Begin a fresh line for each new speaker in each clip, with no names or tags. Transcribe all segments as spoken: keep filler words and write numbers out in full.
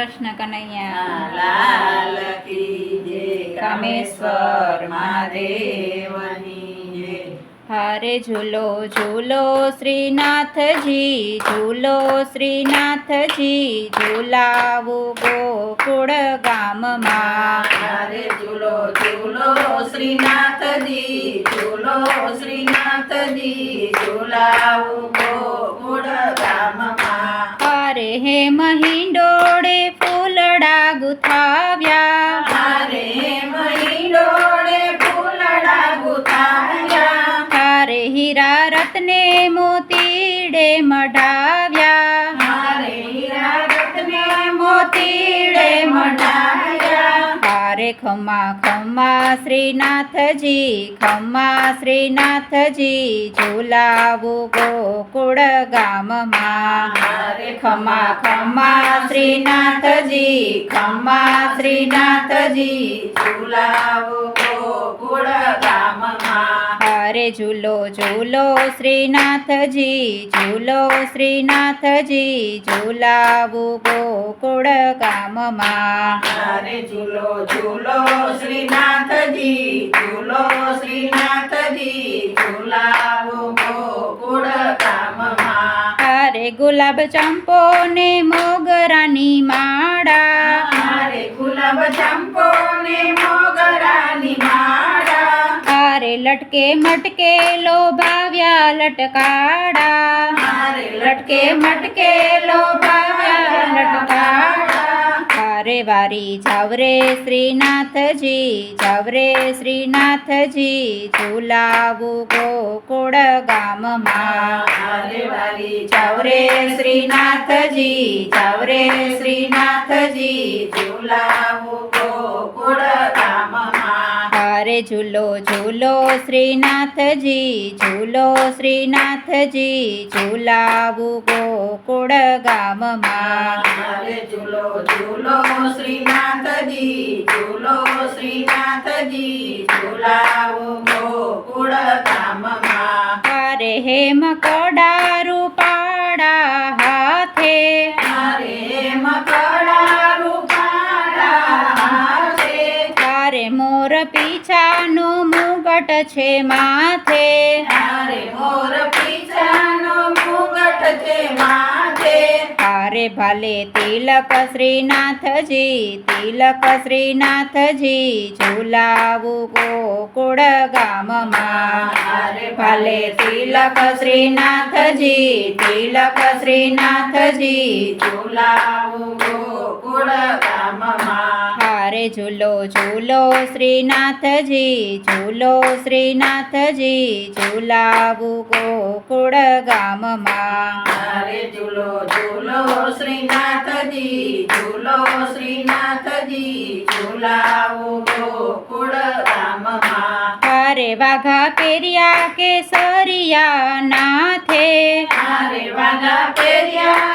કૃષ્ણ કનૈયા
લાલ કી જય, કામેશ્વર મહાદેવની જય.
હારે ઝૂલો ઝૂલો શ્રીનાથજી, ઝૂલો શ્રીનાથજી, ઝૂલાવું ગોકુળ ગામમાં.
હારે ઝૂલો ઝૂલો શ્રીનાથજી, ઝૂલો શ્રીનાથજી, ઝૂલાવું ગોકુળ ગામમાં.
હારે હે મહિંડોળે ફૂલડા ગુથાવ્યા,
હારે મહિડોળે ફૂલડા ગુથાવ્યા,
હારે હીરા રત્ને મોતીડે મઢાવ્યા,
હારે હીરા રત્ને મોતીડે મઢાવ્યા.
હારે ખમ્મા ખમ્મા શ્રીનાથજી, ખમ્મા શ્રીનાથજી, ઝૂલાવું ગોકુળ ગામમાં.
હારે
ખમ્મા ખમ્મા શ્રીનાથજી, ખમ્મા શ્રીનાથજી,
ઝૂલાવું ગોકુળ ગામમાં.
હારે ઝૂલો ઝૂલો શ્રીનાથજી, ઝૂલો શ્રીનાથજી, ઝૂલાવું ગોકુળ ગામમાં.
હારે ઝૂલો ઝૂલો શ્રીનાથજી, ઝૂલો શ્રીનાથજી, ઝૂલાવું ગોકુળ ગામમાં.
હારે ગુલાબ ચંપો ને મોગરાની માળા,
હારે ગુલાબ ચંપો ને મોગરાની માળા,
હારે લટકે મટકે લોભાવ્યા લટકાડા,
હારે
લટકે મટકે લોભાવ્યા લટકાડા. હારે વારી જાવરે શ્રીનાથજી, જાવરે શ્રીનાથજી, ઝૂલાવું ગોકુળ ગામમાં.
હારે વાલી
જાવરે શ્રીનાથજી, જાવરે શ્રીનાથજી,
ઝૂલાવું ગોકુળ ગામમાં.
હારે ઝૂલો ઝૂલો શ્રીનાથજી, ઝૂલો શ્રીનાથજી, ઝૂલાવું ગોકુળ ગામમાં.
હારે ઝૂલો ઝૂલો શ્રીનાથજી, ઝૂલો શ્રીનાથજી, ઝૂલાવું ગોકુળ ગામમાં.
હારે હેમ કડા રૂપાળા હાથે,
હારે મકડા રૂપાળા હાથે,
હારે મોર પીછાનો મુગટ છે માથે,
હારે મોર પીછાનો મુગટ છે માથે,
હારે ભાલે તિલક શ્રીનાથજી, તિલક શ્રીનાથજી, ઝૂલાવું ગોકુળ ગામમાં.
હારે
ભાલે તિલક શ્રીનાથજી, તિલક શ્રીનાથજી,
ઝૂલાવું ગોકુળ ગામમાં.
હારે ઝૂલો ઝૂલો શ્રીનાથજી, ઝૂલો શ્રીનાથજી, ઝૂલાવું ગોકુળ ગામમાં.
હારે ઝૂલો ઝૂલો શ્રીનાથજી, ઝૂલો શ્રીનાથજી, ઝૂલાવું ગોકુળ ગામમાં.
હારે વાઘા પેર્યા કેસરિયા નાથે,
હારે વાઘા પહેર્યા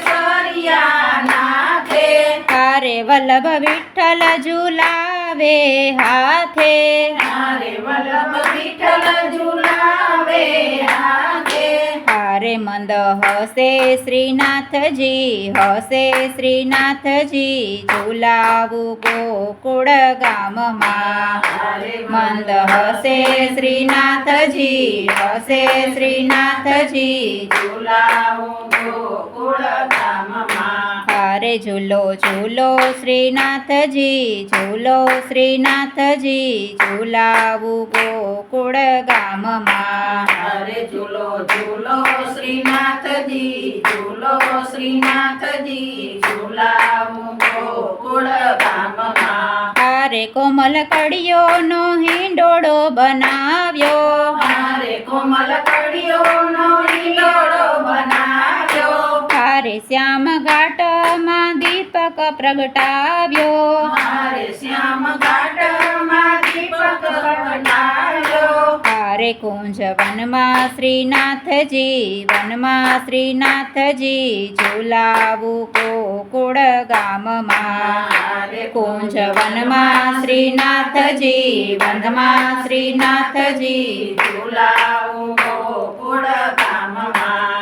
કેસરિયા નાથે,
હારે વલ્લભ વિઠ્ઠલ ઝૂલાવે હાથે,
હારે વલ્લભ વિઠ્ઠલ ઝૂલાવે હાથે,
હારે મંદ હસે શ્રીનાથજી, હસે શ્રીનાથજી, ઝૂલાવું ગોકુળ ગામમાં.
હારે
મંદ હસે શ્રીનાથજી, હસે શ્રીનાથજી,
ઝૂલાવું ગોકુળ ગામમાં.
હારે ઝૂલો ઝૂલો શ્રીનાથજી, ઝૂલો શ્રીનાથજી, ઝૂલાવું ગોકુળ ગામમાં.
હારે ઝૂલો ઝૂલો શ્રીનાથજી, ઝૂલો શ્રીનાથજી, ઝૂલાવું ગોકુળ ગામમાં.
હારે કોમલ કડીઓનો હિંડોળો બનાવ્યો,
હારે કોમલ કડીઓનો હિંડોળો બનાવ્યો,
હારે શ્યામ ઘાટમાં દીપક પ્રગટાવ્યો,
હારે શ્યામ ઘાટમાં દીપક પ્રગટાવ્યો,
હારે કુંજ વનમાં શ્રીનાથજી, વનમાં શ્રીનાથજી, ઝૂલાવું ગોકુળ ગામમાં.
હારે
કુંજ વનમાં શ્રીનાથજી, વનમાં શ્રીનાથજી,
ઝૂલાવું ગોકુળ ગામમાં.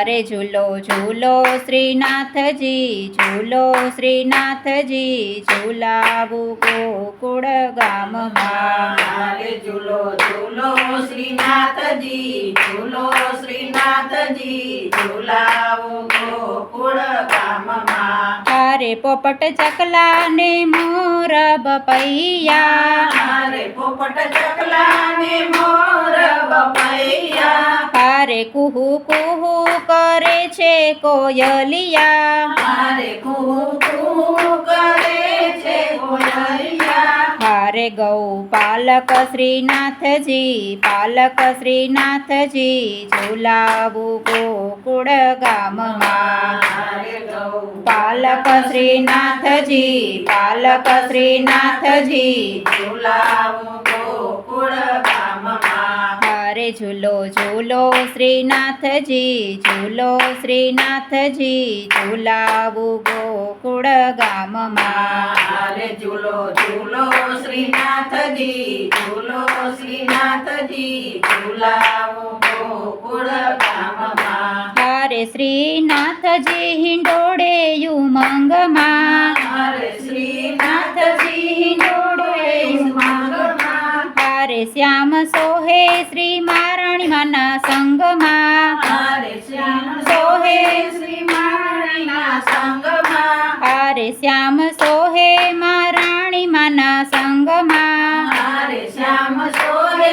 હારે ઝૂલો ઝૂલો શ્રીનાથજી ઝૂલો શ્રીનાથજી ઝૂલાવું ગોકુળ ગામમાં
મારે ઝૂલો ઝૂલો શ્રીનાથજી ઝૂલો શ્રીનાથજી ઝૂલાવો ગોકુળ ગામમાં
હારે પોપટ ચકલા ને મોર બપૈયા
મારે પોપટ ચકલા ને મોર બપૈયા
હારે કુહુ કુહુ કરે છે કોયલિયા
મારે કૂ કૂ કરે છે કોયલિયા
હારે ગૌ પાલક શ્રીનાથજી પાલક શ્રીનાથજી ઝૂલાવું ગોકુળ ગામમાં
મારે ગૌ
પાલક શ્રીનાથજી પાલક શ્રીનાથજી
ઝૂલાવું ગોકુળ ગામમાં
હારે ઝૂલો ઝૂલો શ્રીનાથજી ઝૂલો શ્રીનાથજી ઝૂલાવું ગોકુળ ગામમાં
મારે ઝૂલો ઝૂલો શ્રીનાથજી ઝૂલો શ્રીનાથજી ઝૂલાવો ગોકુળ ગામમાં
હારે શ્રીનાથજી હિંડોળે ઉમંગમાં
મારે શ્રીનાથજી હિંડોળે ઉમંગમાં
હારે શ્યામ સોહે શ્રી મહારાણીમાના સંગમાં
મારે શ્યામ સોહે શ્રી માણીના સંગમાં
હારે શ્યામ સોહે મહારાણીમાના સંગમાં
મારે શ્યામ સોહે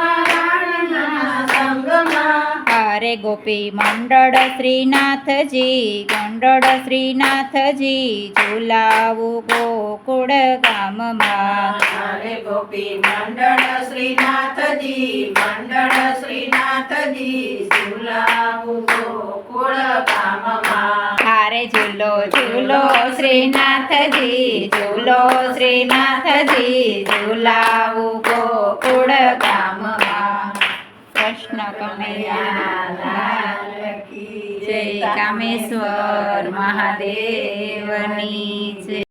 માણીના સંગમાં
હારે ગોપી મંડળ શ્રીનાથજી ગંડળ શ્રીનાથજી ઝૂલાવું ગોકુળ ગામમાં
મારે ગોપી મંડળ શ્રીનાથજી મંડળ શ્રીનાથજી ઝૂલાવું ગોકુળ ગામમાં
હારે ઝૂલો ઝૂલો શ્રીનાથજી ઝૂલો શ્રીનાથજી ઝૂલાવું ગોકુળ ગામમાં કૃષ્ણ કનૈયા
લાલ કી
જય કામેશ્વર મહાદેવની જય